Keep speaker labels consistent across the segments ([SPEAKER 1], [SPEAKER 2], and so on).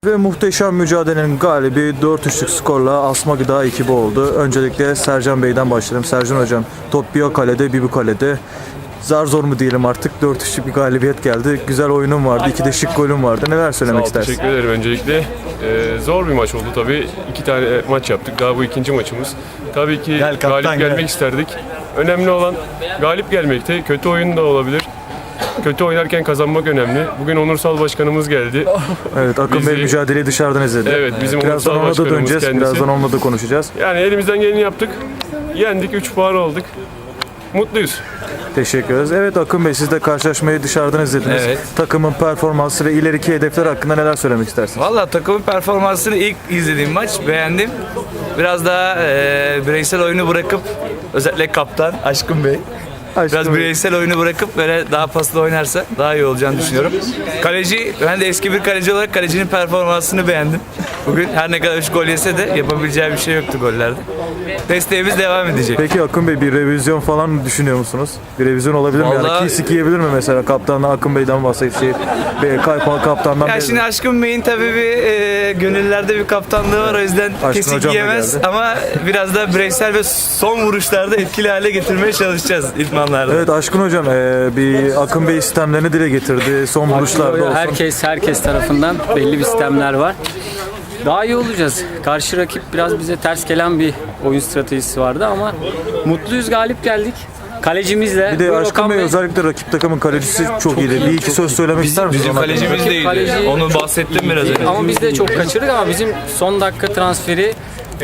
[SPEAKER 1] Ve muhteşem mücadelenin galibi 4-3'lük skorla Asma Gıda ekibi oldu. Öncelikle Sercan Bey'den başlayalım. Sercan Hocam, top bir o kalede, bir bu kalede. Zar zor mu diyelim artık, 4-3'lük bir galibiyet geldi. Güzel oyunun vardı, 2 de şık golün vardı. Neler söylemek istersin?
[SPEAKER 2] Teşekkür ederim öncelikle. Zor bir maç oldu tabii. 2 tane maç yaptık. Daha bu ikinci maçımız. Tabii ki galip gelmek isterdik. Önemli olan galip gelmekte. Kötü oyun da olabilir. Kötü oynarken kazanmak önemli. Bugün Onursal Başkanımız geldi.
[SPEAKER 1] Evet, Akın Bey mücadeleyi dışarıdan izledi.
[SPEAKER 2] Evet, bizim
[SPEAKER 1] birazdan
[SPEAKER 2] Onursal
[SPEAKER 1] ona da döneceğiz.
[SPEAKER 2] Başkanımız kendisi.
[SPEAKER 1] Birazdan onunla da konuşacağız.
[SPEAKER 2] Yani elimizden geleni yaptık. Yendik, 3 puan aldık. Mutluyuz.
[SPEAKER 1] Teşekkür ederiz. Evet Akın Bey, siz de karşılaşmayı dışarıdan izlediniz.
[SPEAKER 3] Evet.
[SPEAKER 1] Takımın performansı ve ileriki hedefler hakkında neler söylemek istersiniz?
[SPEAKER 3] Valla takımın performansını ilk izlediğim maç beğendim. Biraz daha bireysel oyunu bırakıp özellikle kaptan Aşkın Bey biraz bireysel oyunu bırakıp böyle daha paslı oynarsa daha iyi olacağını düşünüyorum. Kaleci, ben de eski bir kaleci olarak kalecinin performansını beğendim. Bugün her ne kadar 3 gol yese de yapabileceği bir şey yoktu gollerde. Desteğimiz devam edecek.
[SPEAKER 1] Peki Akın Bey, bir revizyon falan düşünüyor musunuz? Bir revizyon olabilir mi? Yani
[SPEAKER 3] Vallahi-
[SPEAKER 1] Kisik yiyebilir mi mesela kaptanla Akın Bey'den bahsedip kaptandan
[SPEAKER 3] Ya şimdi Aşkın Bey'in tabii bir gönüllerde bir kaptanlığı var, o yüzden
[SPEAKER 1] Aşkın
[SPEAKER 3] kesik
[SPEAKER 1] hocam da
[SPEAKER 3] yiyemez
[SPEAKER 1] geldi.
[SPEAKER 3] ama biraz da bireysel ve son vuruşlarda etkili hale getirmeye çalışacağız idmanlarda.
[SPEAKER 1] Evet Aşkın Hocam, bir Akın Bey sistemlerini dile getirdi. Son vuruşlarda olsun.
[SPEAKER 4] Herkes tarafından belli bir sistemler var. Daha iyi olacağız. Karşı rakip biraz bize ters gelen bir oyun stratejisi vardı ama mutluyuz, galip geldik. Kalecimizle.
[SPEAKER 1] Bir de
[SPEAKER 4] Buyur
[SPEAKER 1] Aşkın
[SPEAKER 4] Okan
[SPEAKER 1] Bey,
[SPEAKER 4] Bey.
[SPEAKER 1] özellikle rakip takımın kalecisi çok iyiydi. Bir iki söz söylemek ister misiniz?
[SPEAKER 3] Bizim
[SPEAKER 1] ona?
[SPEAKER 3] kalecimiz de iyiydi.
[SPEAKER 4] Kaleci-
[SPEAKER 3] Onu bahsettim biraz önce.
[SPEAKER 4] Ama biz de çok kaçırdık ama bizim son dakika transferi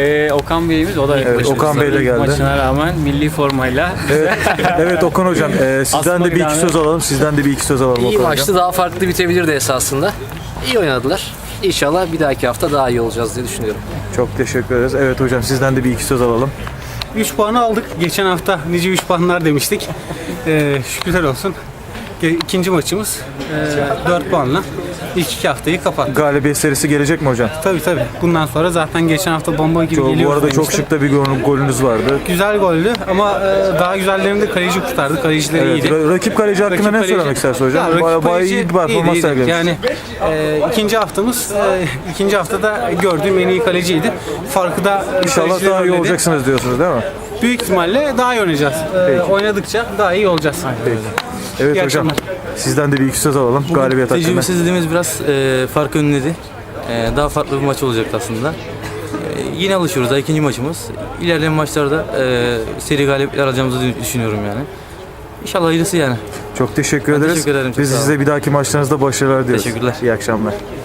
[SPEAKER 4] Okan Bey'imiz, o da
[SPEAKER 1] Evet, Okan Bey de geldi.
[SPEAKER 4] maçına rağmen milli formayla.
[SPEAKER 1] Evet Okan Hocam, sizden de bir iki
[SPEAKER 4] Asma
[SPEAKER 1] söz alalım. Sizden de bir iki söz alalım
[SPEAKER 5] İyi
[SPEAKER 1] Okan
[SPEAKER 5] maçtı,
[SPEAKER 1] Hocam.
[SPEAKER 5] daha farklı bitebilirdi esasında. İyi oynadılar. İnşallah bir dahaki hafta daha iyi olacağız diye düşünüyorum.
[SPEAKER 1] Çok teşekkür ederiz. Evet hocam, sizden de bir iki söz alalım.
[SPEAKER 6] 3 puanı aldık. Geçen hafta nice 3 puanlar demiştik. Şükürler olsun. İkinci maçımız 4 puanla ilk 2 haftayı kapattık.
[SPEAKER 1] Galibiyet serisi gelecek mi hocam?
[SPEAKER 6] Tabii. Bundan sonra zaten geçen hafta bomba gibi
[SPEAKER 1] Bu
[SPEAKER 6] geliyoruz
[SPEAKER 1] arada çok
[SPEAKER 6] demiştim.
[SPEAKER 1] şık da bir golünüz vardı.
[SPEAKER 6] Güzel goldü ama daha güzellerini de kaleci kurtardı. Kalecileri
[SPEAKER 1] Evet,
[SPEAKER 6] iyiydi.
[SPEAKER 1] rakip kaleci hakkında
[SPEAKER 6] Rakip
[SPEAKER 1] ne
[SPEAKER 6] kaleci-
[SPEAKER 1] söylemek istersin hocam?
[SPEAKER 6] Ya, rakip
[SPEAKER 1] Bayağı
[SPEAKER 6] kaleci
[SPEAKER 1] iyi bir performans
[SPEAKER 6] iyiydi.
[SPEAKER 1] sergilemiş.
[SPEAKER 6] Yani ikinci haftamız ikinci haftada gördüğüm en iyi kaleciydi. Farkı da
[SPEAKER 1] İnşallah
[SPEAKER 6] kaleciler
[SPEAKER 1] daha iyi
[SPEAKER 6] önledi.
[SPEAKER 1] olacaksınız diyorsunuz değil mi?
[SPEAKER 6] Büyük ihtimalle daha iyi oynayacağız. Oynadıkça daha iyi olacağız.
[SPEAKER 1] Evet
[SPEAKER 6] İyi
[SPEAKER 1] hocam,
[SPEAKER 6] akşamlar.
[SPEAKER 1] sizden de bir iki söz alalım. Galibiyet hakkında.
[SPEAKER 7] Tecrübesizliğimiz biraz fark önledi. Daha farklı bir maç olacaktı aslında. Yine alışıyoruz. Daha ikinci maçımız. İlerleyen maçlarda seri galibiyetler alacağımızı düşünüyorum yani. İnşallah hayırlısı yani.
[SPEAKER 1] Çok teşekkür
[SPEAKER 7] Ben
[SPEAKER 1] ederiz.
[SPEAKER 7] teşekkür ederim, çok
[SPEAKER 1] Biz
[SPEAKER 7] sağ olun.
[SPEAKER 1] size bir dahaki maçlarınızda başarılar diliyoruz.
[SPEAKER 7] Teşekkürler.
[SPEAKER 1] İyi akşamlar.